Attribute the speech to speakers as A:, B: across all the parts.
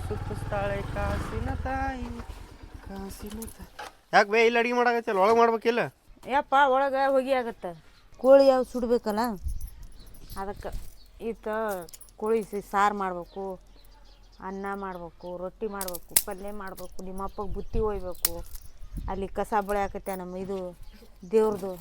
A: ಸುತ್ತಿಸ್ತಾಳೆ ಕಾಸಿನ ತಾಯಿ ಕಾಸಿನ ತಾಯಿ. ಯಾಕೆ ಬೇ ಇಲ್ಲಿ ಅಡಿಗೆ ಮಾಡಾಕತ್ತಿಲ್ಲ, ಒಳಗೆ ಮಾಡ್ಬೇಕಿಲ್ಲ?
B: ಯಪ್ಪ ಒಳಗೆ ಹೊಗೆ ಆಗತ್ತೆ. ಕೋಳಿ ಯಾವ ಸುಡಬೇಕಲ್ಲ ಅದಕ್ಕೆ ಈತ ಕೋಳಿ ಸಾರು ಮಾಡಬೇಕು, ಅನ್ನ ಮಾಡಬೇಕು, ರೊಟ್ಟಿ ಮಾಡಬೇಕು, ಪಲ್ಯ ಮಾಡಬೇಕು, ನಿಮ್ಮಪ್ಪಗೆ ಬುತ್ತಿ ಒಯ್ಬೇಕು, ಅಲ್ಲಿ ಕಸ ಬಳೆ ಹಾಕತ್ತೆ ನಮ್ಮ ಇದು ದೇವ್ರದು.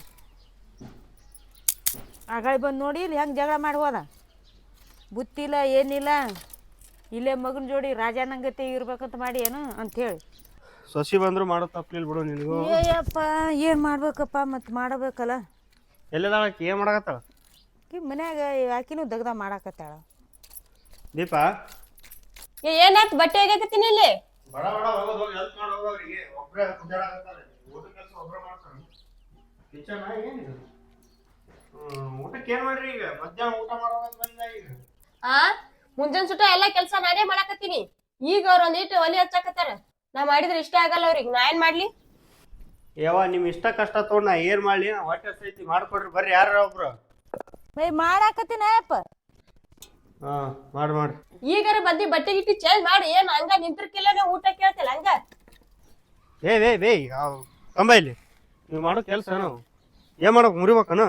B: ಆಗಾಳಿ ಬಂದು ನೋಡಿ ಇಲ್ಲಿ ಹೆಂಗೆ ಜಗಳ ಮಾಡಿ ಹೋದ. ಬುತ್ತಿಲ್ಲ ಏನಿಲ್ಲ, ಇಲ್ಲೇ ಮಗನ ಜೋಡಿ ರಾಜಾನಂಗತೆ ಇರ್ಬೇಕಂತ ಮಾಡಿ ಏನು ಅಂಥೇಳಿ.
A: ಸೊಸಿ ಬಂದ್ರು ಮಾಡೋ ತಪ್ಪಲಿಲ್ಲ ಬಿಡು ನಿನಗೂ.
B: ಏಯಪ್ಪ ಏನು ಮಾಡ್ಬೇಕಪ್ಪ, ಮತ್ತು ಮಾಡಬೇಕಲ್ಲ.
A: ಎಲ್ಲದಾಳಕ್ಕೆ ಏನು ಮಾಡಕತ್ತಾಳ?
B: ಮನ್ಯಾಗ ಆಕಿನೂ ದಗ್ದ ಮಾಡಾಕತ್ತಾಳ.
A: ದೀಪ
C: ಏನಾಯ್ತು? ಬಟ್ಟೆ ಹೇಗಾಕತ್ತೀನಿ ಇಲ್ಲಿ.
A: ಬಡ ಬಡ ಹೋಗೋದು, ಹೋಗಿ ಹೆಲ್ಪ್ ಮಾಡಿ ಹೋಗೋರಿಗೆ. ಒಬ್ಬರೇ ಕುಂದಾಡಕತ್ತಾರೆ, ಊಟ ಕೆಲಸ ಒಬ್ಬರೇ ಮಾಡ್ತಾರೆ. ಕಿಚನ್ ಏನಿದೆ? ಊಟಕ್ಕೆ ಏನು ಮಾಡ್ರಿ ಈಗ? ಮಧ್ಯಾಹ್ನ ಊಟ ಮಾಡೋದು ಬಂದ ಈಗ.
C: ಮುಂಜಾನೆ ಸುಟ ಎಲ್ಲಾ ಕೆಲ್ಸ ನಾನೇ ಮಾಡಾಕತ್ತೀನಿ. ಈಗ ಅವ್ರ ಒಂದಿಟ್ಟು ಒಲಿ ಹಚ್ಚಾಕತ್ತಾರ. ನಾ ಮಾಡಿದ್ರೆ ಇಷ್ಟ ಆಗಲ್ಲ ಅವ್ರಿಗೆ, ನಾ ಏನ್ ಮಾಡ್ಲಿ?
A: ಯಾವ ನಿಮ್ ಇಷ್ಟ ಕಷ್ಟ ತಗೊಂಡ್ ನಾ ಏನ್ ಮಾಡ್ಲಿ? ಹೊಟ್ಟೆ ಸೈತಿ ಮಾಡ್ಕೊಡ್ರಿ, ಬರ್ರಿ ಯಾರ ಒಬ್ರು.
B: ಮಾಡಾಕತ್ತೀನಿ ಅಯ್ಯಪ್ಪ.
A: ಹಾ ಮಾಡಿ
C: ಈಗಾರ ಬಂದಿ ಬಟ್ಟೆ ಗಿಟ್ಟಿ ಚೇಂಜ್ ಮಾಡಿ ಏನ್ ಹಂಗ ನಿಂತಿರ್ಕಿಲ್ಲ, ನಾ ಊಟ ಕೇಳ್ತಿಲ್ಲ ಹಂಗ.
A: ಬೇ ಕಂಬ ಇಲ್ಲಿ ನೀವು ಮಾಡೋ ಕೆಲ್ಸ ನಾವು ಏನ್ ಮಾಡ್ಬೇಕು? ಮುರಿಬೇಕನ?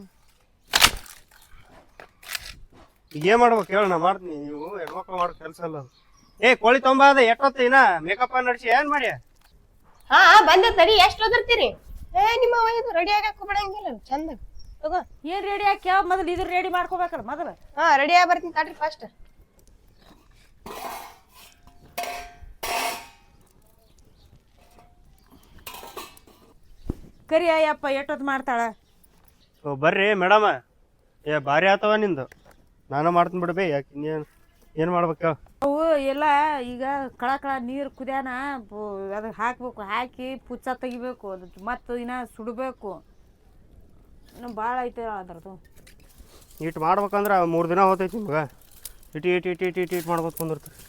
A: ಈಗ ಏನ್ ಮಾಡ್ಬೇಕು ಹೇಳ, ನಾ ಮಾಡ್ತೀನಿ. ನೀವು ಹೆಣ್ಮಕ್ಳು ಮಾಡೋ ಕೆಲ್ಸ ಅಲ್ಲ. ಕೋಳಿ ತೊಂಬ ಅದ ಎಟ್ಟೊತ್ತ ಇನ್ನ ಮೇಕಪ್ ನಡ್ಸಿ ಏನ್ ಮಾಡಿ?
C: ಹಾ ಬಂದೆ ತಡಿ, ಎಷ್ಟ್ ಓದಿರ್ತೀರಿ? ನಿಮ್ಮ ಇದು ರೆಡಿ ಆಗಕ್ ಬಿಡಂಗಿಲ್ಲ ಚಂದ. ತಗೋ
B: ಏನ್ ರೆಡಿ ಹಾಕಿ ಯಾವ ಮೊದಲು ಇದ್ರ ರೆಡಿ ಮಾಡ್ಕೋಬೇಕಲ್ಲ ಮೊದಲು.
C: ರೆಡಿ ಆಗಿ ಬರ್ತೀನಿ ತಡ್ರಿ ಫಸ್ಟ್.
B: ಕರಿ ಅಯ್ಯಪ್ಪ ಎಷ್ಟೊತ್ತು ಮಾಡ್ತಾಳ?
A: ಬರ್ರಿ ಮೇಡಮ್. ಭಾರಿ ಆತವ ನಿಂದು. ನಾನು ಮಾಡ್ತೀನಿ ಬಿಡ್ಬೇ. ಯಾಕೆ ಏನ್ ಮಾಡ್ಬೇಕ?
B: ಅವು ಎಲ್ಲ ಈಗ ಕಳ ನೀರು ಕುದ್ಯಾನ ಅದಕ್ಕೆ ಹಾಕ್ಬೇಕು, ಹಾಕಿ ಪುಚ್ಚ ತೆಗಿಬೇಕು, ಅದು ಮತ್ತು ಇನ್ನ ಸುಡಬೇಕು. ಇನ್ನು ಭಾಳ ಐತೆ ಅದ್ರದ್ದು.
A: ಇಟ್ಟು ಮಾಡ್ಬೇಕಂದ್ರೆ 3 ದಿನ ಹೋತೈತಿ ನಿಮ್ಗೆ. ಇಟ್ಟು ಮಾಡ್ಬೇಕು ಕುಂದಿರ್ತೀರಿ.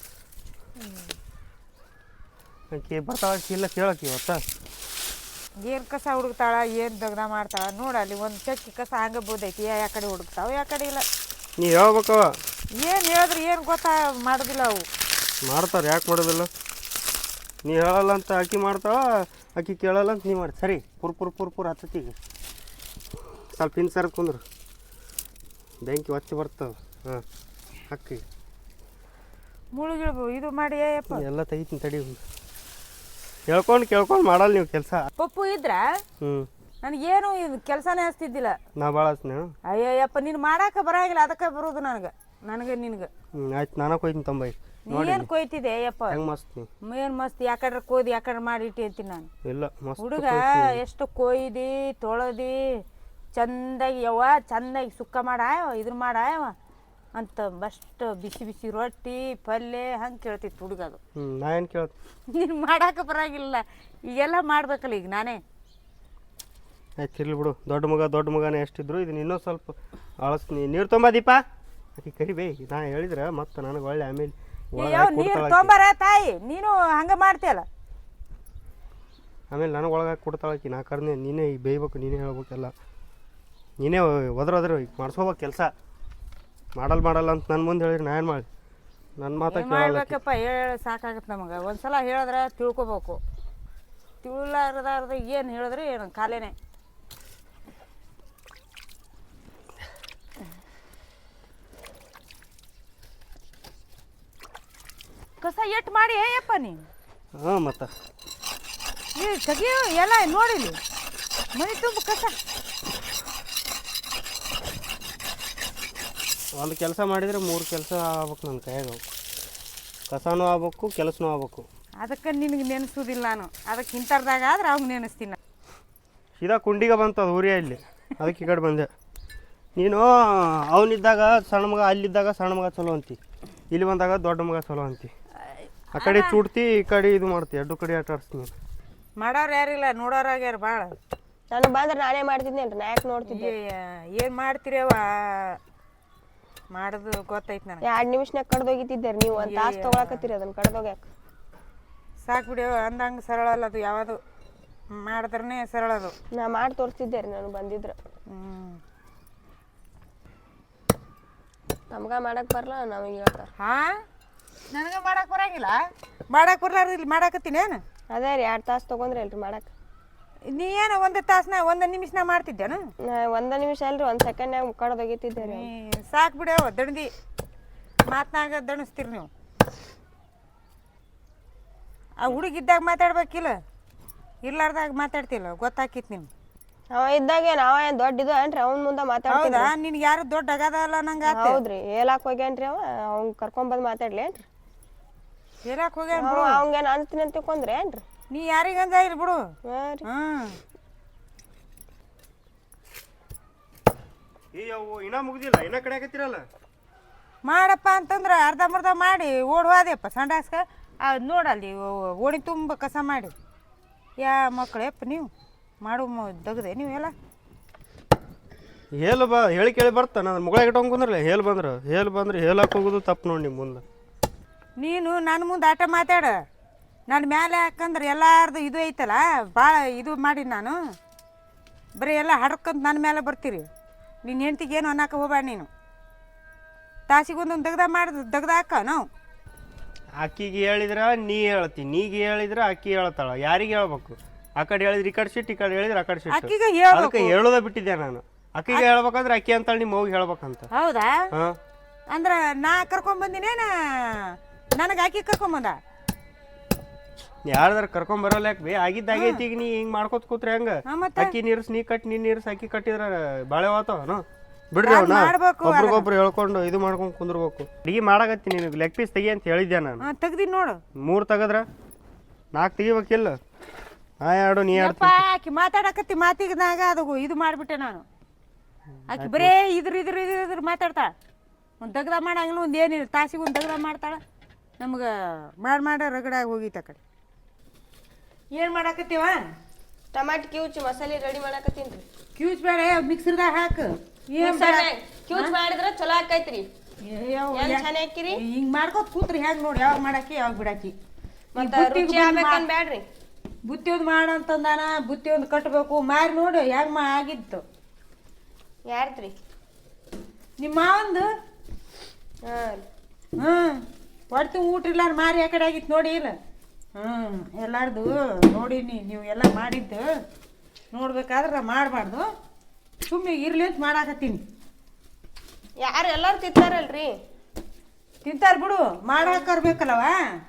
A: ಆಕಿ ಬರ್ತಾಳ ಇಲ್ಲ ಕೇಳಕ್ಕೆ ಇವತ್ತ.
B: ಏನು ಕಸ ಹುಡುಕ್ತಾಳ, ಏನು ದಗ್ದ ಮಾಡ್ತಾಳ ನೋಡ. ಅಲ್ಲಿ ಒಂದು ಚಕ್ಕಿ ಕಸ ಹಂಗೆ ಬೋದೈತಿ. ಯಾ ಕಡೆ ಹುಡುಕ್ತಾವ, ಯಾ ಕಡೆ ಇಲ್ಲ.
A: ನೀ ಹೇಳ್ಬೇಕವ.
B: ಏನು ಹೇಳಿದ್ರೆ ಏನು ಗೊತ್ತಾ ಮಾಡೋದಿಲ್ಲ ಅವು.
A: ಮಾಡ್ತಾರೆ, ಯಾಕೆ ಮಾಡೋದಿಲ್ಲ? ನೀ ಹೇಳಲ್ಲ ಅಂತ ಆಕಿ ಮಾಡ್ತಾಳ, ಆಕಿ ಕೇಳಲ್ಲ ಅಂತ ನೀ ಮಾಡಿ. ಸರಿ ಪುರ್ ಹತ್ತತಿಗೆ ಸ್ವಲ್ಪ ಇನ್ಸರ್ ಕುಂದ್ರು ಬೆಂಕಿ ಒತ್ತಿ ಬರ್ತವೆ. ಹಾಂ ಅಕ್ಕಿ
B: ಮುಳುಗಿಳ್ಬೋ ಇದು ಮಾಡಿ ಅಯ್ಯಪ್ಪ.
A: ಎಲ್ಲ ತೆಗಿತೀನಿ ತಡಿ. ಕೇಳ್ಕೊಂಡು ಮಾಡಲ್ಲ ನೀವು ಕೆಲಸ.
B: ಪಪ್ಪು ಇದ್ರ ನನಗೇನು ಇದು ಕೆಲಸನೇ ಹಚ್ತಿದ್ದಿಲ್ಲ.
A: ನಾ ಭಾಳ ಹಚ್ತೀನಿ.
B: ಅಯ್ಯಯ್ಯಪ್ಪ ನೀನು ಮಾಡಾಕ ಬರಾಗಿಲ್ಲ, ಅದಕ್ಕೆ ಬರೋದು ನನಗೆ ನಿನಗೆ.
A: ಆಯ್ತು, ನಾನು ಕೊಯ್ತೀನಿ ತೊಂಬೈ.
B: ಏನು ಕೊಯ್ತಿದ್ದೆ ಅಯ್ಯಪ್ಪ?
A: ಹೆಂಗೆ ಮಸ್ತ್ ನೀ
B: ಏನು ಮಸ್ತ್. ಯಾಕಡ್ರೆ ಕೋದಿ ಯಾಕಡ್ರೆ ಮಾಡಿ ಇಟ್ಟಿರ್ತೀನಿ ನಾನು.
A: ಇಲ್ಲ ಮಸ್ತ್
B: ಹುಡುಗ ಎಷ್ಟು ಕೊಯ್ದು ತೊಳೆದು ಚಂದಾಗಿ ಚಂದಾಗಿ ಸುಕ್ಕ ಮಾಡಾಯವ ಇದ್ರ ಮಾಡಾಯವ ಅಂತ ಬಸ್ಟ್ ಬಿಸಿ ರೊಟ್ಟಿ ಪಲ್ಯ ಹಂಗೆ ಕೇಳ್ತಿತ್ತು ಹುಡುಗ. ಅದು
A: ನಾ ಏನು ಕೇಳ್ತೀನಿ?
B: ನೀನು ಮಾಡಾಕ ಬರಾಗಿಲ್ಲ, ಈಗೆಲ್ಲ ಮಾಡ್ಬೇಕಲ್ಲ ಈಗ ನಾನೇ.
A: ಆಯ್ತು ಇರ್ಲಿ ಬಿಡು. ದೊಡ್ಡ ಮಗನೇ ಎಷ್ಟಿದ್ರು ಇದನ್ನ ಇನ್ನೂ ಸ್ವಲ್ಪ ಅಳಸ್ತೀನಿ. ನೀರು ತೊಂಬ ದೀಪ. ಆಕಿ ಕರಿಬೇ. ನಾ ಹೇಳಿದ್ರೆ ಮತ್ತೆ ನನಗೆ ಒಳ್ಳೆ ಆಮೇಲೆ
B: ನೀರು ತೊಂಬಾರ ತಾಯಿ, ನೀನು ಹಂಗೆ ಮಾಡ್ತೀಯಲ್ಲ.
A: ಆಮೇಲೆ ನನಗೆ ಒಳಗೆ ಕೊಡ್ತಾಳಕಿ. ನಾ ಕರ್ನೆ ನೀನೇ ಈಗ ಬೇಯ್ಬೇಕು, ನೀನೇ ಹೇಳ್ಬೇಕೆಲ್ಲ. ನೀನೇ ಒದ್ರ ಈಗ ಮಾಡ್ಸ್ಕೋಬೇಕು ಕೆಲಸ. ಮಾಡಲ್ಲ ಅಂತ ನನ್ನ ಮುಂದೆ ಹೇಳಿರಿ ನಾ ಏನು ಮಾಡಿ? ನನ್ನ ಮಾತಾ
B: ಮಾಡ್ಬೇಕಪ್ಪ. ಹೇಳಿ ಸಾಕಾಗತ್ತೆ ನಮಗೆ. ಒಂದ್ಸಲ ಹೇಳಿದ್ರೆ ತಿಳ್ಕೊಬೇಕು. ತಿಳ್ಲಾರ್ದಾರ್ದ ಏನು ಹೇಳಿದ್ರೆ ಏನು ಕಾಲೇನೆ. ಕಸ ಎಟ್ಟು ಮಾಡಿ ಅಯ್ಯಪ್ಪ ನೀನು.
A: ಹಾಂ ಮತ್ತೆ
B: ಈ ತೆಗಿಯೋ ಎಲ್ಲ ನೋಡಿಲಿ ಮನೆ ತುಂಬ ಕಸ.
A: ಒಂದು ಕೆಲಸ ಮಾಡಿದರೆ 3 ಕೆಲಸ ಆಗ್ಬೇಕು ನನ್ನ ಕೈಯಾಗ. ಕಸನೂ ಆಗ್ಬೇಕು, ಕೆಲಸನೂ ಆಗ್ಬೇಕು.
B: ಅದಕ್ಕೆ ನಿನಗೆ ನೆನೆಸೋದಿಲ್ಲ ನಾನು. ಅದಕ್ಕೆ ಇಂಥರ್ದಾಗ ಆದ್ರೆ ಅವಾಗ ನೆನೆಸ್ತೀನಿ.
A: ಸೀದಾ ಕುಂಡಿಗೆ ಬಂತು ಅದು ಊರಿಯ ಇಲ್ಲಿ. ಅದಕ್ಕೆ ಈ ಕಡೆ ಬಂದೆ. ನೀನು ಅವನಿದ್ದಾಗ ಸಣ್ಣ ಮಗ, ಅಲ್ಲಿದ್ದಾಗ ಸಣ್ಣ ಮಗ ಚಲೋ ಅಂತಿ, ಇಲ್ಲಿ ಬಂದಾಗ ದೊಡ್ಡ ಮಗ ಚಲೋ ಅಂತಿ. ಆ ಕಡೆ ಚೂಡ್ತಿ, ಈ ಕಡೆ ಇದು ಮಾಡ್ತಿ. 2 ಕಡೆ ಆಟ ಆಡಿಸ್ತೀನಿ.
B: ಮಾಡೋರು ಯಾರಿಲ್ಲ, ನೋಡೋರಾಗ್ಯಾರ ಭಾಳ.
C: ನನಗೆ ಬಂದ್ರೆ ನಾನೇ ಮಾಡ್ತಿದ್ನೇನ್ರಿ, ನಾ ಯಾಕೆ ನೋಡ್ತಿದ್ದೆ?
B: ಏನು ಮಾಡ್ತೀರವ ಮಾಡೋದು ಗೊತ್ತೈತೆ ನನಗೆ.
C: 2 ನಿಮಿಷನಾಗ ಕಡ್ದೋಗಿತ್ತಿದ್ದಾರೆ ನೀವು. ಒಂದು ತಾಸು ತೊಗೊಳಕತ್ತೀರಿ ಅದನ್ನು ಕಡ್ದೋಗ್ಯಾಕ.
B: ಸಾಕು ಬಿಡಿಯವ. ಅಂದಂಗೆ ಸರಳ ಅಲ್ಲ ಅದು. ಯಾವುದು ಮಾಡಿದ್ರೇ ಸರಳ ಅದು.
C: ನಾ ಮಾಡಿ ತೋರಿಸ್ತಿದ್ದೆ ರೀ ನಾನು ಬಂದಿದ್ರೆ. ನಮ್ಗೆ ಮಾಡಕ್ಕೆ ಬರಲ್ಲ, ನಮಗೆ ಹೇಳ್ತಾರೆ.
B: ಹಾಂ ನನಗೆ ಮಾಡಕ್ಕೆ ಬರಂಗಿಲ್ಲ. ಮಾಡಕ್ಕೆ ಬರ್ಲಾರ್ದು ಇಲ್ಲಿ ಮಾಡಾಕತ್ತೀನಿ ಏನು?
C: ಅದೇ ರೀ 2 ತಾಸು ತೊಗೊಂಡ್ರಿ ಅಲ್ರಿ ಮಾಡಕ್ಕೆ.
B: ನೀ ಏನು 1 ತಾಸನ 1 ನಿಮಿಷನ ಮಾಡ್ತಿದ್ದೇನು?
C: 1 ನಿಮಿಷ ಅಲ್ರಿ 1 ಸೆಕೆಂಡ್ನಾಗ ಮುಕ್ಕಾಡೋದು ಒಗಿತಿದ್ದೆ ರೀ.
B: ಸಾಕು ಬಿಡವ ದಣದಿ ಮಾತನಾಗ ದಣಿಸ್ತೀರಿ ನೀವು. ಆ ಹುಡುಗಿದ್ದಾಗ ಮಾತಾಡ್ಬೇಕಿಲ್ಲ, ಇರ್ಲಾರ್ದಾಗ ಮಾತಾಡ್ತಿಲ್ಲ, ಗೊತ್ತಾಕಿತ್ತು ನಿಮ್ಗೆ.
C: ಅವ ಇದ್ದಾಗ ಏನು ದೊಡ್ಡ ಇದು ಏನ್ರಿ ಅವ್ನ ಮುಂದೆ ಮಾತಾಡ್ತಿದ್ದ?
B: ಹೌದಾ? ನಿನ್ಗೆ ಯಾರು ದೊಡ್ಡ ಅಗದಲ್ಲ ನಂಗೆ ಆತ.
C: ಹೌದ್ರಿ ಹೇಳಕ್ ಹೋಗ್ಯಾನ್ರಿ ಅವ. ಅವ್ನ್ ಕರ್ಕೊಂಬಂದು ಮಾತಾಡ್ಲಿ ಏನ್ರಿ?
B: ಹೇಳಕ್ ಹೋಗ್ಯಾನ ಬಿಡು.
C: ಅವಂಗೇನು ಅಂತೀನಿ ಅಂತ ತಿಳ್ಕೊಂಡ್ರಿ ಏನ್ರಿ?
B: ನೀ ಯಾರಿಗಂದ ಇಲ್ಲ ಬಿಡು.
C: ಹಾಂ ರೀ.
A: ಅವು ಇನ್ನ ಮುಗ್ದಿಲ್ಲ, ಇನ್ನ ಕಡೆ ಆಗತ್ತಿರಲ್ಲ.
B: ಮಾಡಪ್ಪ ಅಂತಂದ್ರೆ ಅರ್ಧಂಬರ್ಧ ಮಾಡಿ ಓಡುವಾದೆಪ್ಪ ಸಂಡಾಸ್ಕ. ಅದು ನೋಡಲ್ಲಿ ಓಣಿ ತುಂಬ ಕಸ ಮಾಡಿ. ಮಕ್ಕಳೇಪ್ಪ ನೀವು ಮಾಡು ದಗದೆ ನೀವು ಎಲ್ಲ
A: ಹೇಳು ಹೇಳಿ ಕೇಳಿ ಬರ್ತಾನೆ. ನನ್ನ ಮುಗಳ ಇಟ್ಕೊಂಡ್ ಕುಂದ್ರಲ್ಲ, ಹೇಳು ಬಂದ್ರೆ ಹೇಳಕ್ಕೆ ಹೋಗೋದು ತಪ್ಪು ನೋಡಿ ನಿಮ್ಮ ಮುಂದೆ.
B: ನೀನು ನನ್ನ ಮುಂದೆ ಆಟ ಮಾತಾಡ. ನನ್ನ ಮ್ಯಾಲೆ ಹಾಕಂದ್ರೆ ಎಲ್ಲಾರ್ದು ಇದು ಐತಲ್ಲ, ಭಾಳ ಇದು ಮಾಡಿ ನಾನು ಬರೀ ಎಲ್ಲ ಹಡ್ಕಂತ ನನ್ನ ಮೇಲೆ ಬರ್ತೀರಿ. ನಿನ್ನ ಹೆಂಡ್ತಿಗೆ ಏನು ಅನ್ನಕ್ಕೆ ಹೋಗ್ಬೇಡ ನೀನು. ತಾಸಿಗೊಂದೊಂದು ದಗ್ದ ಹಾಕ ನಾವು.
A: ಅಕ್ಕಿಗೆ ಹೇಳಿದ್ರೆ ನೀ ಹೇಳ್ತಿ, ನೀಗೆ ಹೇಳಿದ್ರೆ ಅಕ್ಕಿ ಹೇಳ್ತಾಳ. ಯಾರಿಗೆ ಹೇಳ್ಬೇಕು? ಆ ಕಡೆ ಹೇಳಿದ್ರೆ ಈ ಕಡೆ ಸಿಟ್ಟು, ಈ ಕಡೆ ಹೇಳಿದ್ರೆ ಆ ಕಡೆ ಸಿಟ್ಟು.
B: ಅಕ್ಕಿಗೆ
A: ಅದಕ್ಕೆ ಹೇಳೋದ ಬಿಟ್ಟಿದ್ದೆ ನಾನು. ಅಕ್ಕಿಗೆ ಹೇಳ್ಬೇಕಂದ್ರೆ ಅಕ್ಕಿ ಅಂತಾಳೆ, ನಿಮ್ಮ ಹೋಗಿ ಹೇಳ್ಬೇಕಂತ.
B: ಹೌದಾ?
A: ಹಾಂ,
B: ಅಂದ್ರೆ ನಾ ಕರ್ಕೊಂಬಂದಿನೇನ ನನಗೆ ಅಕ್ಕಿ ಕರ್ಕೊಂಬಂದ?
A: ಯಾರ್ದಾರ ಕರ್ಕೊಂಬರಲ್ಲ ಯಾಕೆ ಬೇ? ಆಗಿದ್ದಾಗೈತಿ. ಈಗ ನೀ ಹಿಂಗೆ ಮಾಡ್ಕೊತ ಕೂತ್ರೆ ಹೆಂಗ?
B: ಮತ್ತೆ
A: ಅಕ್ಕಿ ನೀರ್ಸ್ ನೀ ಕಟ್, ನೀನ್ ನೀರ್ಸ್ ಅಕ್ಕಿ ಕಟ್ಟಿದ್ರ ಬಾಳೆ ಹೋತಾವನು. ಬಿಡ್ರಿ ಅವನ
B: ಮಾಡ್ಬೇಕು.
A: ಒಬ್ರಿಗೊಬ್ರು ಹೇಳ್ಕೊಂಡು ಇದು ಮಾಡ್ಕೊಂಡು ಕುಂದಿರ್ಬೇಕು. ಅಡಿಗೆ ಮಾಡಾಕತ್ತೀನಿ, ನಿನಗೆ ಲೆಗ್ ಪೀಸ್ ತೆಗಿ ಅಂತ ಹೇಳಿದ್ದೆ ನಾನು.
B: ತೆಗ್ದಿನಿ ನೋಡು.
A: 3 ತೆಗದ್ರ 4 ತೆಗಿಬೇಕಿಲ್ಲ? ಹಾ, 2 ನೀ 2.
B: ಆಕಿ ಮಾತಾಡಕತ್ತಿ ಮಾತಿಗದಾಗ ಅದು ಇದು ಮಾಡಿಬಿಟ್ಟೆ ನಾನು. ಆಕಿ ಬರೇ ಇದ್ರ ಮಾತಾಡ್ತಾಳ. ಒಂದು ದಗ್ದ ಮಾಡಂಗಿಲ್ಲ, ಒಂದು ಏನಿಲ್ಲ. ತಾಸಿಗೆ ಒಂದು ದಗ್ದ ಮಾಡ್ತಾಳ. ನಮ್ಗೆ ಮಾಡಿ ರಗಡಾಗಿ ಹೋಗಿತ್ತು ಆ ಕಡೆ. ಏನು ಮಾಡಾಕತ್ತೀವ?
C: ಟಮಾಟಿ ಕ್ಯೂಚ್ ಮಸಾಲೆ ರೆಡಿ ಮಾಡಾಕತ್ತೀನಿ ರೀ.
B: ಕ್ಯೂಚ್ ಬೇಡ, ಮಿಕ್ಸರ್ದಾಗ ಹಾಕು.
C: ಕ್ಯೂಚ್ ಮಾಡಿದ್ರೆ ಚಲೋ ಆಕೈತ್ರಿ. ಏನ್ ಚೆನ್ನಾಗಿ ಹಾಕಿರಿ.
B: ಹಿಂಗೆ ಮಾಡ್ಕೊತ ಕೂತ್ರಿ ಹೆಂಗೆ ನೋಡಿ, ಯಾವಾಗ ಮಾಡಾಕಿ ಯಾವಾಗ ಬಿಡಾಕಿ.
C: ಮತ್ತೆ ರುಚಿ ಆಗ್ಬೇಕನ್ ಬ್ಯಾಡ್ರಿ.
B: ಬುತ್ತಿ ಒಂದು ಮಾಡಂತಂದಾನ, ಬುತ್ತಿ ಒಂದು ಕಟ್ಟಬೇಕು. ಮಾರಿ ನೋಡಿ ಹೆಂಗೆ ಆಗಿತ್ತು.
C: ಯಾರ್ದ್ರಿ?
B: ನಿಮ್ಮ ಮಾವಂದು.
C: ಹಾಂ,
B: ಹೊಡ್ತು ಊಟ ಇಲ್ಲ ಮಾರಿ ಆ ಕಡೆ ಆಗಿತ್ತು ನೋಡಿ. ಇಲ್ಲ ಎಲ್ಲಾರ್ದು ನೋಡೀನಿ. ನೀವು ಎಲ್ಲ ಮಾಡಿದ್ದು ನೋಡ್ಬೇಕಾದ್ರೆ ಮಾಡಬಾರ್ದು. ಸುಮ್ಮನೆ ಇರ್ಲಿ ಅಂತ ಮಾಡಾಕತ್ತೀನಿ.
C: ಯಾರು ಎಲ್ಲಾರು ತಿಂತಾರಲ್ರಿ?
B: ತಿಂತಾರ ಬಿಡು, ಮಾಡಾಕರ್ಬೇಕಲ್ಲವ.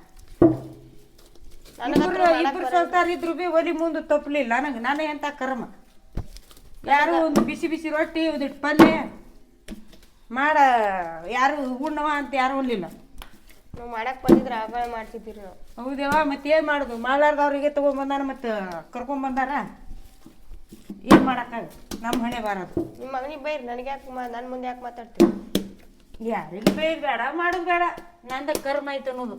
B: ಇಬ್ರು ಸಲ್ತಾರ ಇದ್ರು ಬಿ ಒಲಿ ಮುಂದೆ ತಪ್ಪಲಿಲ್ಲ ನನಗೆ. ನಾನೇ ಎಂತ ಕರ್ಮ. ಯಾರು ಒಂದು ಬಿಸಿ ಬಿಸಿ ರೊಟ್ಟಿ, ಒಂದಿಟ್ಟು ಪಲ್ಯ ಮಾಡ ಯಾರು ಉಣ್ಣವ ಅಂತ ಯಾರು ಒಲ್ಲಿಲ್ಲ.
C: ನಾವು ಮಾಡಕ್ ಬಂದಿದ್ರೆ ಆಗ ಮಾಡ್ತಿದ್ದೀರಿ ನಾವು.
B: ಹೌದೇವ, ಮತ್ತೆ ಏನು ಮಾಡೋದು? ಮಾಡ್ಲಾರ್ದವ್ರಿಗೆ ತೊಗೊಂಬಂದಾರ, ಮತ್ತು ಕರ್ಕೊಂಬಂದಾರ. ಏನು ಮಾಡೋಕ್ಕಾಗ? ನಮ್ಮ ಹಣೆ ಬಾರದು.
C: ನಿಮ್ಮ ಮಗನಿಗೆ ಬೈರಿ, ನನಗೆ ಯಾಕೆ ನನ್ನ ಮುಂದೆ ಯಾಕೆ ಮಾತಾಡ್ತೀವಿ?
B: ಯಾರಿಗೆ ಬೈದ್ ಬೇಡ, ಮಾಡೋದು ಬೇಡ. ನಂದ ಕರ್ಮ ಐತೆ ಅನ್ನೋದು.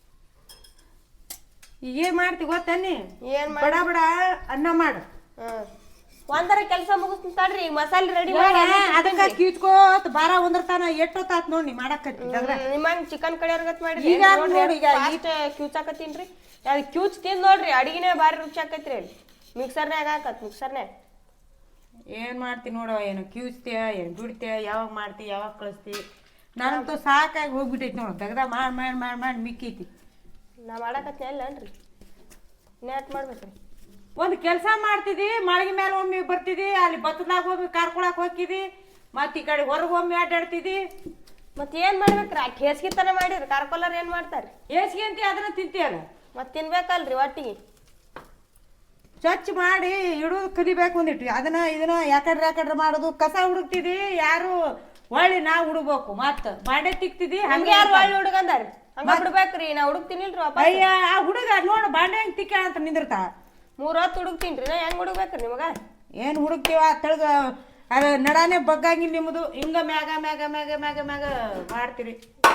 B: ಈಗ ಏನು ಮಾಡ್ತಿ ಗೊತ್ತನ್ನಿ?
C: ಏನ್
B: ಬಡ ಬಡ ಅನ್ನ ಮಾಡು.
C: ಒಂದರ ಕೆಲಸ ಮುಗಿಸ್ತೀನಿ ತಡ್ರಿ. ಈಗ ಮಸಾಲೆ ರೆಡಿ ಮಾಡಿ
B: ಅದಕ್ಕೆ ಕ್ಯೂಚ್ಕೋತ ಬಾರ ಒಂದರ್ತಾನ ಎಷ್ಟೊತ್ತಾತ್ ನೋಡಿ ಮಾಡಾಕತ್ತಿ.
C: ನಿಮ್ಮಂಗ್ ಚಿಕನ್ ಕಡಿಯೋರ್ಗತ್ ಮಾಡಿ
B: ಈಗ ನೋಡಿ, ಈಗ
C: ಕ್ಯೂಚಾಕತ್ತೀನ್ರಿ. ಕ್ಯೂಚ್ ತಿಂದ್ ನೋಡ್ರಿ, ಅಡಿಗೆನೇ ಭಾರಿ ರುಚಿ ಆಕೈತ್ರಿ. ಅಲ್ಲಿ ಮಿಕ್ಸರ್ನ್ಯಾಗ ಹಾಕತ್ ಮಿಕ್ಸರ್ನ್ಯಾಗ.
B: ಏನು ಮಾಡ್ತಿ ನೋಡವ, ಏನು ಕ್ಯೂಚ್ತೀಯ, ಏನು ಬಿಡ್ತೀಯ, ಯಾವಾಗ ಮಾಡ್ತಿ, ಯಾವಾಗ ಕಳಿಸ್ತಿ. ನನಗಂತೂ ಸಾಕಾಗಿ ಹೋಗ್ಬಿಟ್ಟೈತಿ ನೋಡು. ತೆಗ್ದ ಮಾಡಿ ಮಿಕ್ಕೈತಿ.
C: ನಾ ಮಾಡಾಕತ್ತೀನಿ ಅಲ್ಲನ್ರಿ, ಇನ್ನೇಟ್ ಮಾಡ್ಬೇಕ್ರಿ?
B: ಒಂದು ಕೆಲಸ ಮಾಡ್ತಿದ್ದಿ, ಮಳಗಿ ಮೇಲೆ ಒಮ್ಮೆ ಬರ್ತಿದ್ದಿ, ಅಲ್ಲಿ ಬತ್ತದಾಗ ಒಮ್ಮೆ ಕಾರ್ಕೊಳಕ್ ಹೋಗಿದ್ದಿ, ಮತ್ತೆ ಈ ಕಡೆ ಹೊರಗೆ ಒಮ್ಮೆ ಆಟಾಡ್ತಿದ್ದಿ.
C: ಮತ್ತೆ ಏನ್ ಮಾಡ್ಬೇಕ್ರಿ? ಆ ಹೇಸಿಗೆ ತನ ಮಾಡಿರಿ. ಕಾರ್ಕೊಲ್ಲರ್ ಏನ್ ಮಾಡ್ತಾರ್ರಿ?
B: ಹೇಸಿಗೆ ಅಂತ ಅದನ್ನ ತಿಂತೀಯಲ್ಲ,
C: ಮತ್ತೆ ತಿನ್ಬೇಕಲ್ರಿ ಒಟ್ಟಿಗೆ.
B: ಸ್ವಚ್ಛ ಮಾಡಿ ಇಡೋದು ಕಲಿಬೇಕು ಒಂದಿಟ್ಟು. ಇದನ್ನ ಯಾಕಡ್ರೆ ಮಾಡೋದು. ಕಸ ಹುಡುಕ್ತಿದ್ದಿ, ಯಾರು ಒಳ್ಳೆ ನಾವು ಹುಡುಗ್ಬೇಕು. ಮತ್ತೆ ಬಾಂಡೆ ತಿಕ್ತಿದ್ದಿ,
C: ಹಂಗೆ ಯಾರು ಒಳ್ಳೆ ಹುಡುಗಂದಾರಿ? ಹಂಗ ಬಿಡ್ಬೇಕ್ರಿ. ನಾ ಹುಡುಕ್ತೀನಿಲ್ರಿ.
B: ಅಯ್ಯ, ಆ ಹುಡುಗ ನೋಡು ಬಾಂಡೆ ಹೆಂಗ್ ತಿಕ್ಕ ಅಂತ ನಿಂದಿರ್ತಾ.
C: 3 ಹೊತ್ತು ಹುಡುಕ್ತೀನ್ರಿ. ನಾ ಹೆಂಗ್ ಹುಡುಗ್ಬೇಕ್ರಿ ನಿಮಗ?
B: ಏನು ಹುಡುಕ್ತೀವ ತೆಳಗ ಅದು ನಡಾನೆ ಬಗ್ಗಂಗಿಲ್ಲ ನಿಮ್ಮದು. ಹಿಂಗ ಮ್ಯಾಗ ಮ್ಯಾಗ ಮ್ಯಾಗ ಮ್ಯಾಗ ಮ್ಯಾಗ ಮಾಡ್ತೀರಿ.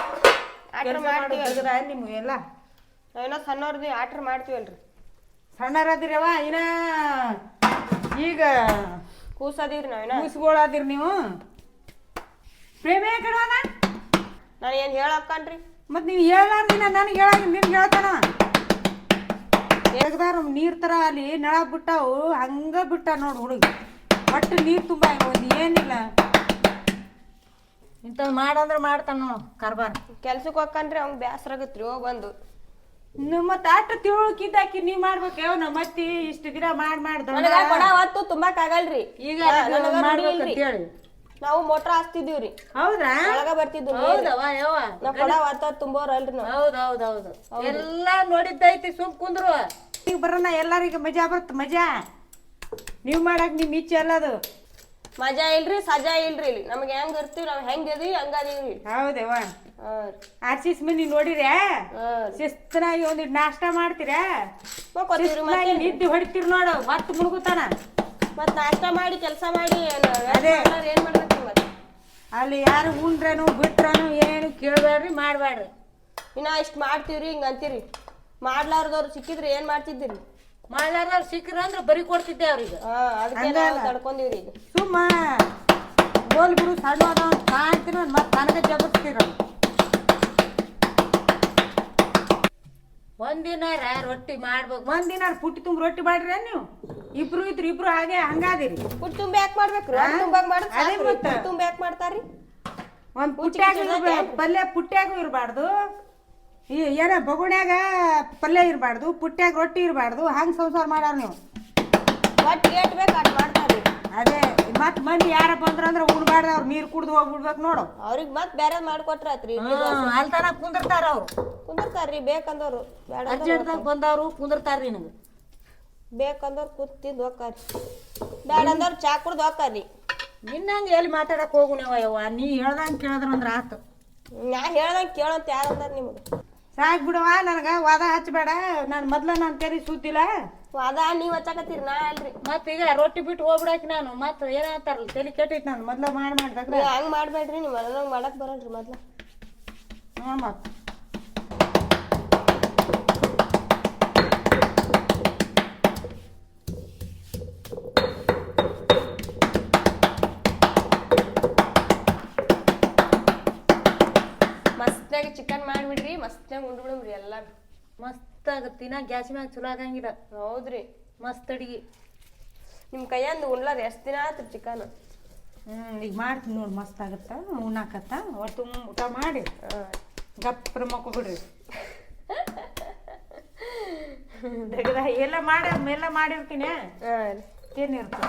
B: ನಿಮ್ಗೆ ಎಲ್ಲ
C: ನಾವೇನೋ ಸಣ್ಣವ್ರದ್ದು ಆಟ್ರ್ ಮಾಡ್ತೀವಲ್ರಿ.
B: ಸಣ್ಣರದಿರವ, ಇನ್ನ ಈಗ
C: ಕೂಸದೀವ್ರಿ ನಾವೇನ.
B: ಕೂಸ್ಗಳಾದಿರಿ ನೀವು. ಪ್ರೇಮೇ ಕಡವಾನ
C: ನಾನು ಏನು ಹೇಳಕ್ಕನ್ರಿ?
B: ಮತ್ತು ನೀವು ಹೇಳಾರ್ದಿನ ನನಗೆ ಹೇಳಾಗಿ ನಿನ್ಗೆ ಹೇಳ್ತಾನ. ತೆಗ್ದಾರ ನೀರು ಥರ ಅಲ್ಲಿ ನಳ ಬಿಟ್ಟಾವು, ಹಂಗೆ ಬಿಟ್ಟ ನೋಡು ಹುಡುಗ. ಒಟ್ಟು ನೀರು ತುಂಬ ಒಂದು ಏನಿಲ್ಲ. ಇಂಥವ್ ಮಾಡಂದ್ರೆ ಮಾಡ್ತಾನ ನೋಡು ಕಾರ್ಬಾರ್.
C: ಕೆಲ್ಸಕ್ಕೆ ಹೋಗ್ಕಂಡ್ರಿ ಅವ್ನ್ ಬ್ಯಾಸರ ಆಗತ್ರಿ ಹೋಗ್ ಬಂದು.
B: ಮತ್ತೆ ಆಟ ತಿಳುಕಿದ್ದಾಕಿ ನೀ ಮಾಡ್ಬೇಕು ಯಾವ ಮತ್ತೆ ಇಷ್ಟು ದಿನ ಮಾಡ್ದ
C: ನನಗ ಕೊಡ ಹೊತ್ತು ತುಂಬಾಕ್ ಆಗಲ್ರಿ.
B: ಈಗ
C: ನನಗ
B: ಮಾಡ್ಬೇಕಂತ ಹೇಳಿ
C: ನಾವು ಮೋಟ್ರ್ ಹಾಸ್ತಿದೀವ್ರಿ.
B: ಹೌದ್ರಾ?
C: ಒಳಗ ಬರ್ತಿದ್ವಿ.
B: ಹೌದವ ಯವ್ವ
C: ನಾವ್ ಕೊಡ ಹೊತ್ತ ತುಂಬೋರಲ್ರಿ ನಾವು.
B: ಹೌದೌದೌದು ಎಲ್ಲಾ ನೋಡಿದ್ದೈತಿ ಸುಮ್ ಕುಂದ್ರು. ಈಗ ಬರೋಣ ಎಲ್ಲರಿಗೂ ಮಜಾ ಬರುತ್ತೆ ಮಜಾ. ನೀವ್ ಮಾಡಕ್ ನಿಮ್ ಇಚ್ಛೆ ಅಲ್ಲದು.
C: ಮಜಾ ಇಲ್ರಿ ಸಜಾ ಇಲ್ರಿ ಇಲ್ಲಿ. ನಮ್ಗೆ ಹೆಂಗ್ ಇರ್ತೀವಿ ನಾವ್ ಹೆಂಗ್ ಇದೀವಿ ಹಂಗದೀವ್ರಿ.
B: ಹೌದೇವ ಆರ್ಸಿಸ್ ಮಂದಿ ನೋಡಿರ್ಯಾ
C: ಹಾ
B: ಶಿಸ್ತನಾಗಿ ಒಂದಿಟ್ಟು ನಾಷ್ಟ ಮಾಡ್ತೀರಾ
C: ಮಕ್ಕೋತೀವ್ರಿ
B: ಶಿಸ್ತನಾಗಿ ನಿದ್ದೆ ಹೊಡಿತೀರಿ ನೋಡು ಹೊತ್ತು ಮುಳುಗುತ್ತಾನ.
C: ಮತ್ ನಾಷ್ಟ ಮಾಡಿ ಕೆಲಸ ಮಾಡಿ
B: ಅದೇ.
C: ಏನ್ ಮಾಡ್ಬೇಕ್ರಿ ಮತ್?
B: ಅಲ್ಲಿ ಯಾರು ಉಂಡ್ರನು ಬಿಟ್ರನು ಏನು ಕೇಳ್ಬೇಡ್ರಿ ಮಾಡ್ಬೇಡ್ರಿ.
C: ಇನ್ನ ಇಷ್ಟ್ ಮಾಡ್ತೀವ್ರಿ ಹಿಂಗ ಅಂತೀರಿ. ಮಾಡ್ಲಾರ್ದವ್ರು ಸಿಕ್ಕಿದ್ರೆ ಏನ್ ಮಾಡ್ತಿದ್ದೀರಿ?
B: ಮಾಡ್ಲಾರ್ದವ್ರು ಸಿಕ್ಕ್ರ ಅಂದ್ರೆ ಬರಿ ಕೊಡ್ತಿದ್ದೆ ಅವ್ರಿಗೆ.
C: ಅದಕ್ಕೆ ನಾವು ತಡ್ಕೊಂಡಿವ್ರಿ ಈಗ.
B: ಸುಮ್ಮ ಗೋಲ್ ಬಿಡು ಸಣ್ಣ ಅದಾವ ಕಾಣ್ತೀರ ಮತ್ತೆ ನನಗೆ ಜಬರ್ಸ್ತೀರ. ಒಂದಿನಾರ ರೊಟ್ಟಿ ಮಾಡ್ಬೇಕು. ಒಂದಿನ ಪುಟ್ಟಿ ತುಂಬ ರೊಟ್ಟಿ ಮಾಡ್ರಿ ನೀವು. ಇಬ್ರು ಇದ್ರು ಇಬ್ರು ಹಾಗೆ ಹಂಗಾದಿರಿ.
C: ಪುಟ್ ತುಂಬ ಯಾಕೆ ಮಾಡ್ಬೇಕ್ರಿ? ತುಂಬಾಗ ಮಾಡಿದ್ರೆ ತುಂಬ ಯಾಕೆ ಮಾಡ್ತಾರ್ರಿ?
B: ಒಂದ್ ಪುಟ್ಟ್ಯಾಗ ಪಲ್ಯ ಪುಟ್ಟ್ಯಾಗೂ ಇರಬಾರ್ದು, ಏನ ಬಗುಣ್ಯಾಗ ಪಲ್ಯ ಇರಬಾರ್ದು, ಪುಟ್ಟ್ಯಾಗ ರೊಟ್ಟಿ ಇರಬಾರ್ದು. ಹಂಗೆ ಸಂಸಾರ ಮಾಡ್ಯಾರ ನೀವು.
C: ಒಟ್ಟು ಏಟ್ ಬೇಕು ಅಟ್ ಮಾಡ್ತಾರ್ರಿ.
B: ಅದೇ ಮತ್ ಮಂದಿ ಯಾರ ಬಂದ್ರಂದ್ರ ಉಣ್ಬಾರ್ದು ಅವ್ರು ನೀರು ಕುಡ್ದು ಹೋಗ್ಬಿಡ್ಬೇಕು ನೋಡು.
C: ಅವ್ರಿಗೆ ಮತ್ ಬೇರೆ ಮಾಡ್ಕೊಟ್ರ ಆತ್ರಿ.
B: ಅಲ್ತಾನ ಕುಂದಿರ್ತಾರ ಅವ್ರು.
C: ಕುಂದಿರ್ತಾರ್ರಿ ಬೇಕಂದವ್ರು. ಬೇಡ
B: ಅರ್ಜೆಂಟ್ದಾಗ ಬಂದವ್ರು ಕುಂದಿರ್ತಾರ್ರಿ ನಿನಗೆ.
C: ಬೇಕಂದವ್ರು ಕೂತಿದ್ದು ಹೋಗ್ತಾರ್ರಿ. ಬೇಡ ಅಂದವ್ರು ಚಾ ಕುಡ್ದು ಹೋಗ್ತಾರ್ರಿ.
B: ನಿನ್ನಂಗೆ ಎಲ್ಲಿ ಮಾತಾಡಕ್ ಹೋಗು ನೀವು ಯವ್ವ. ನೀ ಹೇಳ್ದಂಗೆ ಕೇಳಿದ್ರಂದ್ರ ಆತು.
C: ನಾ ಹೇಳ್ದಂಗೆ ಕೇಳಂತ ಯಾರು ಅಂದಾರ ನಿಮ್ಗೆ?
B: ಸಾಕ್ ಬಿಡವ ನನಗೆ ವಾದ ಹಚ್ಚಬೇಡ. ನಾನು ನಾನು ತೆರಿ ಸುದ್ದಿಲ್ಲ.
C: ವಾದ ನೀವ್ ಹಚ್ಚಾಕತ್ತೀರಿ ನಾ ಅಲ್ರಿ.
B: ಮತ್ತೆ ಈಗ ರೊಟ್ಟಿ ಬಿಟ್ಟು ಹೋಗ್ಬಿಡಾಕಿ ನಾನು ಮತ್ತೆ ಏನಾಗ್ತಾರಲ್ಲ ತಲೆ ಕೆಟ್ಟೈತಿ. ನಾನು ಮೊದ್ಲ ಮಾಡ್ದಾಗ
C: ಹಂಗ್ ಮಾಡ್ಬೇಡ್ರಿ. ನೀವು ನನಗೆ ಮಾಡಕ್ ಬರಲ್ರಿ ಮೊದ್ಲ.
B: ನೋಡ್ ಮತ್ತೆ
C: ಮಸ್ತಾಗಿ ಚಿಕನ್ ಮಾಡ್ಬಿಡ್ರಿ. ಮಸ್ತಾಗಿ ಉಂಡ್ಬಿಡ್ರಿ ಎಲ್ಲಾರು.
B: ಮಸ್ತ್ ಆಗತ್ತೆ. ತಿನ್ನ ಗ್ಯಾಸ್ ಮ್ಯಾಗ ಚಲೋ ಆಗಂಗಿಲ್ಲ.
C: ಹೌದ್ರಿ
B: ಮಸ್ತ್ ಅಡಿಗೆ.
C: ನಿಮ್ ಕೈಯಂದು ಉಣ್ಲಾರ ಎಷ್ಟ್ ದಿನ ಆತ್ರಿ ಚಿಕನ್?
B: ಈಗ ಮಾಡ್ತೀನಿ ನೋಡಿ ಮಸ್ತ್ ಆಗತ್ತ. ಉಣ್ಣಾಕತ್ತ ಒಟ್ಟು ಊಟ ಮಾಡಿ ಗಪ್ರ ಮಕ್ಕ ಬಿಡ್ರಿ. ಎಲ್ಲ ಮಾಡಿರ್ತೀನಿ. ಏನಿರ್ತದ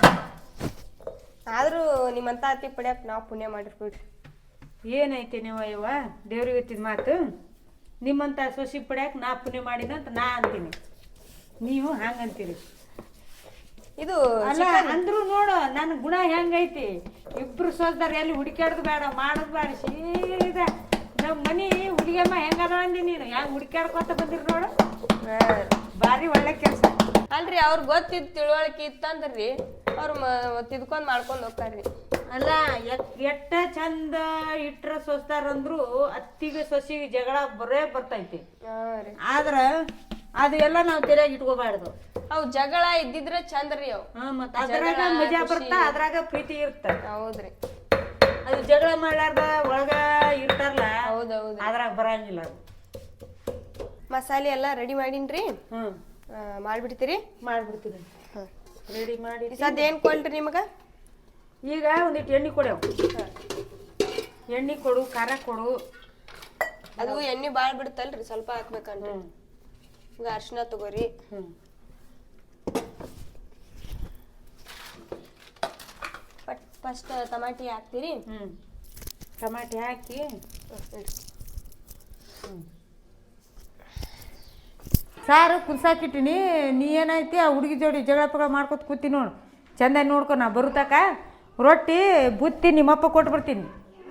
C: ಆದ್ರೂ ನಿಮ್ಮಂತ ಅತಿ ಪಡ್ಯಾಕ ನಾವು ಪುಣ್ಯ ಮಾಡಿರ್ಬಿಡ್ರಿ.
B: ಏನೈತಿ ನೀವು ಅಯ್ಯವ್ವ ದೇವ್ರಿಗೆ ಎತ್ತಿದ ಮಾತು. ನಿಮ್ಮಂತ ಸೊಸಿ ಪಡ್ಯಾಕ ನಾ ಪುಣ್ಯ ಮಾಡಿದಂತ ನಾ ಅಂತೀನಿ, ನೀವು ಹಂಗಂತೀರಿ.
C: ಇದು
B: ಅಲ್ಲ ಅಂದ್ರು ನೋಡು ನನ್ನ ಗುಣ ಹೆಂಗೈತಿ. ಇಬ್ರು ಸೋಸ್ದಾರ ಎಲ್ಲಿ ಹುಡುಕ್ಯಾಡ್ದು ಬೇಡ ಮಾಡೋದು ಬೇಡ. ಸೀದಾ ನಮ್ಮ ಮನಿ ಹುಡುಗಿಯಮ್ಮ ಹೆಂಗದ ಅಂದಿ ನೀನು. ಹೆಂಗ್ ಹುಡುಕ್ಯಾಡ್ಕೊತ ಬಂದಿರಿ ನೋಡು. ಭಾರಿ ಒಳ್ಳೆ ಕೆಲಸ
C: ಅಲ್ರಿ. ಅವ್ರ ಗೊತ್ತಿದ್ ತಿಳುವಳಿಕೆ ಇತ್ತಂದ್ರಿ ಅವ್ರು ತಿದ್ಕೊಂಡ್ ಮಾಡ್ಕೊಂಡ್ ಹೋಗ್ತಾರ್ರಿ.
B: ಅಲ್ಲ ಎಟ್ಟ ಚಂದ ಇಟ್ರ ಸೊಸ್ತಾರಂದ್ರು ಅತ್ತಿಗೆ ಸೊಸಿಗೆ ಜಗಳ ಬರೇ ಬರ್ತೈತಿ. ಆದ್ರ ಅದು ಎಲ್ಲ ನಾವು ತೆರೆಯಾಗಿ ಇಟ್ಕೋಬಾರ್ದು.
C: ಅವ್ ಜಗಳ ಇದ್ದಿದ್ರೆ ಚಂದ್ರಿ ಅವ್.
B: ಮತ್ತ ಅದ್ರಾಗ ಮಜಾ ಬರ್ತಾ ಅದ್ರಾಗ ಪ್ರೀತಿ ಇರ್ತ.
C: ಹೌದ್ರಿ.
B: ಅದು ಜಗಳ ಮಾಡ್ಲಾರ್ದ ಒಳಗ ಇರ್ತಾರಲ್ಲ.
C: ಹೌದೌದು.
B: ಅದ್ರಾಗ ಬರಂಗಿಲ್ಲ.
C: ಮಸಾಲೆ ಎಲ್ಲ ರೆಡಿ ಮಾಡೀನ್ರಿ. ಮಾಡ್ಬಿಡ್ತೀರಿ?
B: ಮಾಡ್ಬಿಡ್ತೀರಿ. ರೆಡಿ ಮಾಡಿ
C: ಸದ್ ಏನ್ ಕೊಡ್ರಿ ನಿಮಗ?
B: ಈಗ ಒಂದಿಟ್ಟು ಎಣ್ಣೆ ಕೊಡವ್. ಎಣ್ಣೆ ಕೊಡು, ಖಾರ ಕೊಡು.
C: ಅದು ಎಣ್ಣೆ ಬಾಳ್ ಬಿಡ್ತಲ್ರಿ, ಸ್ವಲ್ಪ ಹಾಕ್ಬೇಕನ್ರಿ. ಈಗ ಅರ್ಶಿನ ತಗೋರಿ. ಫಸ್ಟ್ ಟಮಾಟಿ ಹಾಕ್ತೀರಿ.
B: ಟಮಾಟಿ ಹಾಕಿ ಸಾರು ಕುದಿಸಾಕಿಟ್ಟಿನಿ. ನೀ ಏನೈತಿ ಆ ಹುಡುಗಿ ಜೋಡಿ ಜಗಳ ಪಗಳ ಮಾಡ್ಕೊತ ಕೂತಿ ನೋಡು. ಚಂದ ನೋಡ್ಕೊ. ನಾ ಬರುತ್ತಾಕ ರೊಟ್ಟಿ ಬುತ್ತಿ ನಿಮ್ಮಪ್ಪ ಕೊಟ್ಟು ಬರ್ತೀನಿ.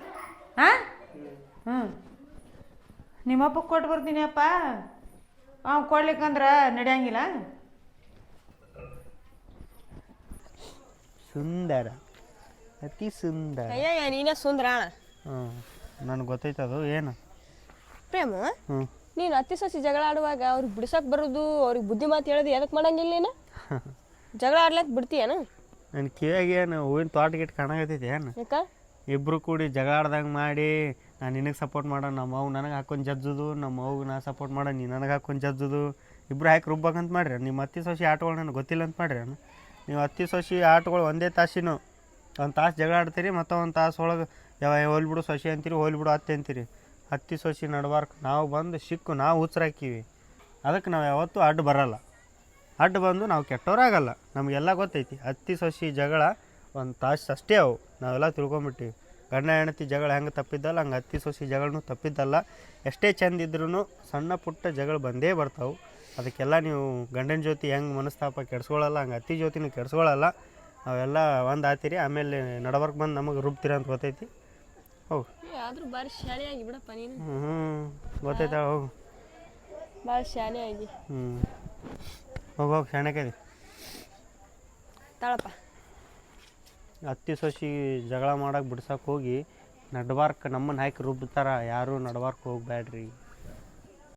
B: ನಿಮ್ಮಪ್ಪ ಕೊಟ್ಟು ಬರ್ತೀನಿ ಅಪ್ಪ. ಕೊಡ್ಲಿಕ್ಕಂದ್ರೆ ನಡೆಯಂಗಿಲ್ಲ.
A: ಸುಂದರ, ಅತಿ ಸುಂದರ.
C: ಅಯ್ಯ ನೀನೇ ಸುಂದರ.
A: ನನಗೆ ಗೊತ್ತೈತದು. ಏನು
C: ಪ್ರೇಮ, ನೀನು ಅತ್ತಿ ಸೊಸಿ ಜಗಳ ಆಡುವಾಗ ಅವ್ರಿಗೆ ಬಿಡ್ಸಕ್ ಬರೋದು, ಅವ್ರಿಗೆ ಬುದ್ಧಿ ಮಾತು ಹೇಳೋದು ಎದಕ್ಕೆ ಮಾಡಂಗಿಲ್ಲ ನೀನು? ಜಗಳ ಆಡ್ಲಕ್ ಬಿಡ್ತೀಯನ?
A: ನನ್ನ ಕಿವಿಯಾಗ ಏನು ಹೂವಿನ ತೋಟ ಗಿಟ್ಟು ಕಾಣಕತ್ತೈತಿ ಏನು?
C: ಯಾಕ
A: ಇಬ್ರು ಕೂಡಿ ಜಗಳ ಆಡ್ದಂಗೆ ಮಾಡಿ ನಾನು ನಿನಗೆ ಸಪೋರ್ಟ್ ಮಾಡೋ, ನಮ್ಮ ಅವು ನನಗೆ ಹಾಕೊಂಡು ಜಜ್ಜುದು, ನಮ್ಮ ಅವ್ಗೆ ನಾ ಸಪೋರ್ಟ್ ಮಾಡೋ, ನೀ ನನಗೆ ಹಾಕೊಂಡು ಜಜ್ಜುದು, ಇಬ್ರು ಹಾಕಿ ರುಬ್ಬಕಂತ ಮಾಡ್ರಿ. ನಿಮ್ಮ ಅತ್ತಿ ಸೊಸಿ ಆಟಗಳು ನನಗೆ ಗೊತ್ತಿಲ್ಲ ಅಂತ ಮಾಡ್ರಿ. ನೀವು ಅತ್ತಿ ಸೊಸಿ ಆಟಗಳು ಒಂದೇ ತಾಸಿನೂ 1 ತಾಸು ಜಗಳ ಆಡ್ತೀರಿ, ಮತ್ತು 1 ತಾಸು ಒಳಗೆ ಹೋಲ್ ಬಿಡು ಸೊಸೆ ಅಂತೀರಿ, ಹೋಲ್ ಬಿಡು ಅತ್ತೆ ಅಂತೀರಿ. ಅತ್ತಿ ಸೊಸೆ ನಡ್ಬಾರ್ಕ್ ನಾವು ಬಂದು ಸಿಕ್ಕು ನಾವು ಹುಚ್ಚರಾಕೀವಿ. ಅದಕ್ಕೆ ನಾವು ಯಾವತ್ತೂ ಅಡ್ಡ ಬರಲ್ಲ. ಅಡ್ಡ ಬಂದು ನಾವು ಕೆಟ್ಟವರಾಗಲ್ಲ. ನಮಗೆಲ್ಲ ಗೊತ್ತೈತಿ ಅತ್ತಿ ಸೊಸೆ ಜಗಳ ಒಂದು ತಾಸು ಅಷ್ಟೇ ಅವು. ನಾವೆಲ್ಲ ತಿಳ್ಕೊಂಬಿಟ್ಟಿವಿ. ಗಂಡ ಹೆಂಡತಿ ಜಗಳ ಹೆಂಗೆ ತಪ್ಪಿದ್ದಲ್ಲ ಹಂಗೆ ಅತ್ತಿ ಸೊಸೆ ಜಗಳೂ ತಪ್ಪಿದ್ದಲ್ಲ. ಎಷ್ಟೇ ಚಂದ ಇದ್ರೂ ಸಣ್ಣ ಪುಟ್ಟ ಜಗಳ ಬಂದೇ ಬರ್ತಾವೆ. ಅದಕ್ಕೆಲ್ಲ ನೀವು ಗಂಡನ ಜೊತೆ ಹೆಂಗೆ ಮನಸ್ತಾಪ ಕೆಡ್ಸ್ಕೊಳ್ಳಲ್ಲ ಹಂಗೆ ಅತ್ತಿ ಜೊತೆನೂ ಕೆಡ್ಸ್ಕೊಳ್ಳಲ್ಲ. ಅವೆಲ್ಲ ಒಂದು ಆತಿರಿ. ಆಮೇಲೆ ನಡಬರ್ಕ್ ಬಂದು ನಮಗೆ ರುಬ್ತೀರ ಅಂತ ಗೊತ್ತೈತಿ. ಹೋಗು.
C: ಆದರೂ ಭಾರಿ ಶಾಣೆ ಆಗಿ ಬಿಡಪ್ಪ ನೀನು.
A: ಗೊತ್ತೈತಾಳ ಹೋಗು.
C: ಭಾಳ ಶಾಣೆ ಆಗಿ.
A: ಹೋಗಿ ಶಾಣೆಕದಿ.
C: ತಾಳಪ್ಪ.
A: ಅತ್ತಿ ಸೊಸಿ ಜಗಳ ಮಾಡಕ್ಕೆ ಬಿಡ್ಸಕ್ಕೆ ಹೋಗಿ ನಡ್ಬಾರ್ಕ್ ನಮ್ಮನ್ನು ಹಾಕಿ ರುಬ್ತಾರ. ಯಾರೂ ನಡ್ಬಾರ್ಕ್ ಹೋಗ್ಬ್ಯಾಡ್ರಿ.